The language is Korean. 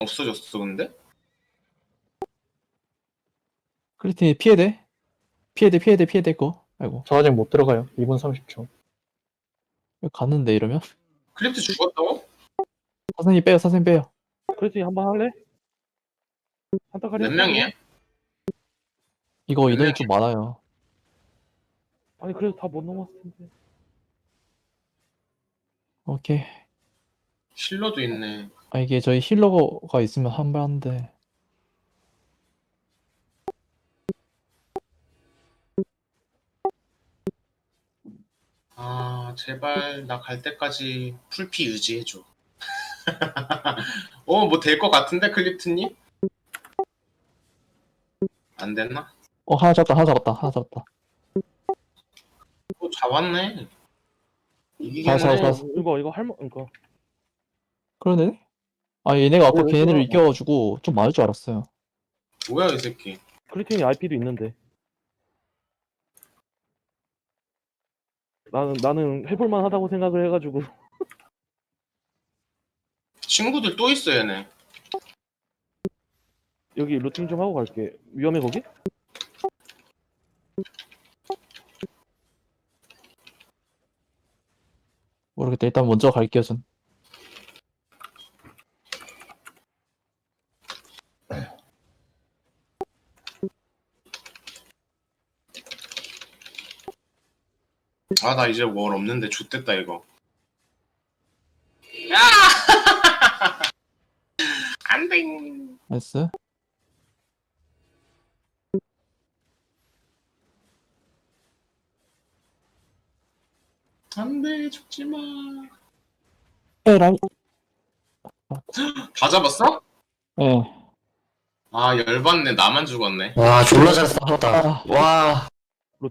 없어졌어 근데? 클리틴이 피해대? 피해대 거. 아이고. 저 아직 못 들어가요. 2분 30초. 갔는데 이러면? 클립트 죽었다고? 사선이 빼요. 그래서 한번 할래? 한타카리 몇 명이야? 이거 몇 인원이 명이야? 좀 많아요. 아니 그래도 다 못 넘었을 텐데. 오케이. 힐러도 있네. 아, 이게 저희 힐러가 있으면 한 번 한데. 아 제발 나 갈 때까지 풀피 유지해줘. 뭐 될 것 같은데 클립트님? 안 됐나? 하나 잡았다. 잡았네. 이기겠네. 잡았어. 이거 할머 이거 그러네? 아, 얘네가 아까 왜 걔네를 그러나? 이겨가지고 좀 많을 줄 알았어요. 뭐야 이 새끼. 크리틴이 IP도 있는데. 나는 해볼만 하다고 생각을 해가지고. 친구들 또 있어 얘네. 여기 루팅 좀 하고 갈게. 위험해 거기? 모르겠다. 일단 먼저 갈게요, 전. 아 나 이제 월 없는데 좆됐다 이거. 야! 안돼. 나이스. 안돼 죽지 마. 에라이. 다 잡았어? 예. 아 열받네. 나만 죽었네. 와 졸라 잘 싸웠다. 아, 와